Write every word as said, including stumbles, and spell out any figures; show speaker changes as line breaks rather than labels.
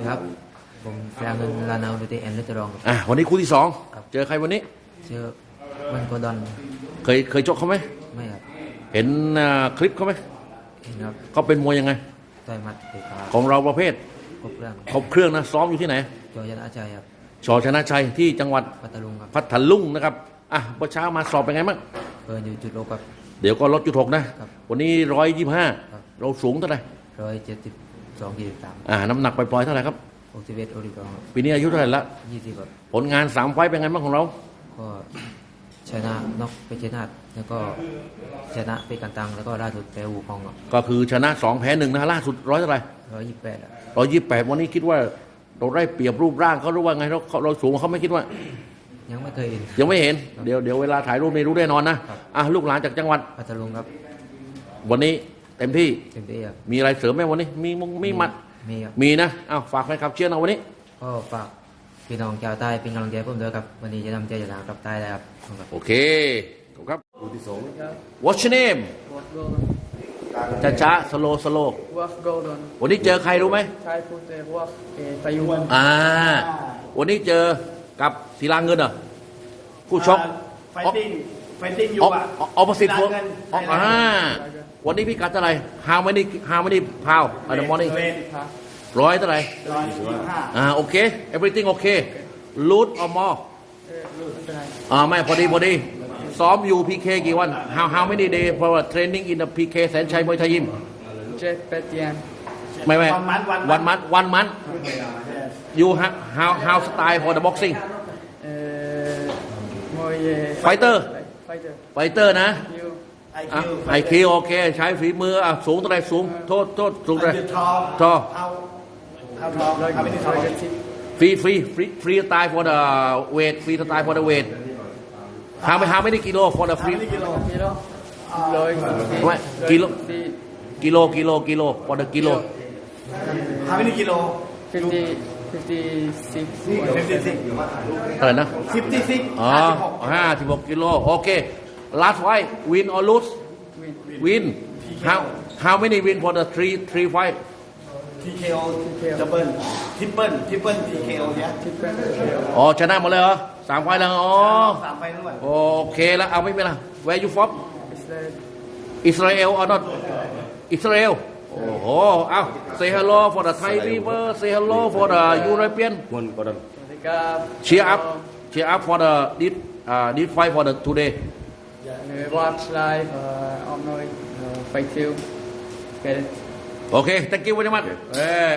ครับผมแฟนเงินลานาดูเตแอนเลตรอง
อ่ะวันนี้คู่ที่สองเจอใครวันนี้
เจอมันโกดอน
เคยเคยชกเขาไหม
ไม่ครับ
เห็นอ่าคลิปเขาไหม
เห็นครับ
เขาเป็นมวยยังไง
ต่อยหมัดเตะขา
ของเราประเภท
ครบเรื่อง
ครบเครื่องนะซ้อมอยู่ที่ไหน
จอยันอาชัยครับ
ชอชนะชัยที่จังหวัด
พัทลุงครับ
พัทลุงนะครับอ่ะเมื่อเช้ามาสอบเป็นไงบ้าง
เกินอยู่จุดโลกับ
เดี๋ยวก็ลดจุดหกนะครับ วันนี้ร้อยยี่ห้า
ครับ
เราสูงเท่าไหร่
ร้อยเจ็ดสิบสองยี่สิบสาม
อ่าน้ำหนักปล่อยๆเท่าไหร่ครับ
หกสิบเอ็ดโอริกอง
ปีนี้อายุเท่าไหร่ละ
ยี่สิบแบบ
ผลงานสามไฟต์เป็นไงบ้างของเรา
ก็ชนะน็อกไปชนะแล้วก็ชนะไปกันตังแล้วก็ล่าสุดแพ้วูคอง
ก็คือชนะสองแพ้หนึ่งนะล่าสุดร้อยเท่าไหร่
ร้อยยี่สิบแปดอ่ะ
ร้อยยี่สิบแปดวันนี้คิดว่าเราได้เปรียบรูปร่างเขาหรือว่าไงเราเราสูงกว่าเขาไม่คิดว่า
ยังไม่เคยเห็น
ยังไม่เห็นเดี๋ยวเดี๋ยวเวลาถ่ายรูปนี่รู้แน่นอนนะครับ อ่ะลูกหลานจากจังหวัด
พัทลุงครับ
วันนี้เต็มที่
เต็มที่ครับ
มีอะไรเสริมไหมวันนี้มีมงมีหมัด
มีครับ
มีนะอ้าวฝากแฟนคลับเชียร์เราวันนี้
ก็ฝากพี่น้องชาวใต้เป็นกำลังใจให้ผมด้วยครับวันนี้จะนำใจชนะกลับใต้ได้ครับขอบคุณครับ
โอเคขอบคุณครับคู่ที่สอง What's your name
What Golden
ช้าช้าสโลสโล
What Golden
วันนี้เจอใครรู้ไหม
ใช้พูดแต่ว่าเออตายุน
อ่าวันนี้เจอกับศิลาเงินเหรอผู้ชก
ไฟติ้งไฟติ้งอยู่
ออ
อ่ะ
ออปสิต
ศิ
พว
ลาก เงิน
อ่าวันนี้พี่กัดเท่าไหร่ How many How many pound at the morning
เวท
ร้อยเท่าไหร่
ร้อยยี่สิบห้า
อ่าโอเค everything okay loot or more
เออรู้เป็นไร
อ่าไม่พอดีพอดีซ้อมอยู่ พี เค กี่วัน how how many day for training in the พี เค แสนชัยมวยไทยยิม
เจ็ดแปดเดือน
ไม่ไม่
วันมันวัน
วันมัดวันมัน you ha- how how style for the boxing
เออมวย
Fighter
ไฟเตอร์
fighter นะ
ยู
ไอ
อ่ะ
คิว
ไอคิวโอเค ใช้ฝีมืออ่ะสูงเท่าไหรสูง โทษโทษสูงเท่าไหร
ทอ
ทอ
เท้าเท้าทอ
ร้อย
เท้าไม่ได้ทอ
ร้อยเจ็ดสิบ
ฟรีฟรีฟรีฟรีสไตล์ for the weight ฟรีสไตล์ for the weight how many how many kilo for the
ทำ
free
ไม่ได้กิโล
กิโลร้อย
ไม่กิโล
สี่
กิโลกิโลกิโล for the กิโล
ทำไม่ได้กิโล
ฟิฟตี้ฟิฟตี้ซิก
ฟิฟตี้ซิก
เท่าไหร่นะ
ฟิฟตี้ซิก
อ๋อ
ห้าสิบหก
ห้าสิบหกกิโลโอเค last fight win or lose
วิน
win how how many win for the three three fight
ทีเคโอดับเบิลทริปเปิลทริปเปิลทีเคโอเนี่ย
ทิปเป็น
อ๋อชนะหมดเลยเหรอสามไฟล์แล้วอ๋อ
สามไฟด้วย
โอเคแล้วเอาไม่เป็นไร where you from
อิสราเอล
Israel or not Israel โอ้โหเอา say hello for the Thai people say hello for the European
สวัสดีครับ
cheer up cheer up for the this uh, this fight for the today
เออ watch live เอ่อออมน้อยเอ่อไฟคิว get it
okay thank you very much เอ้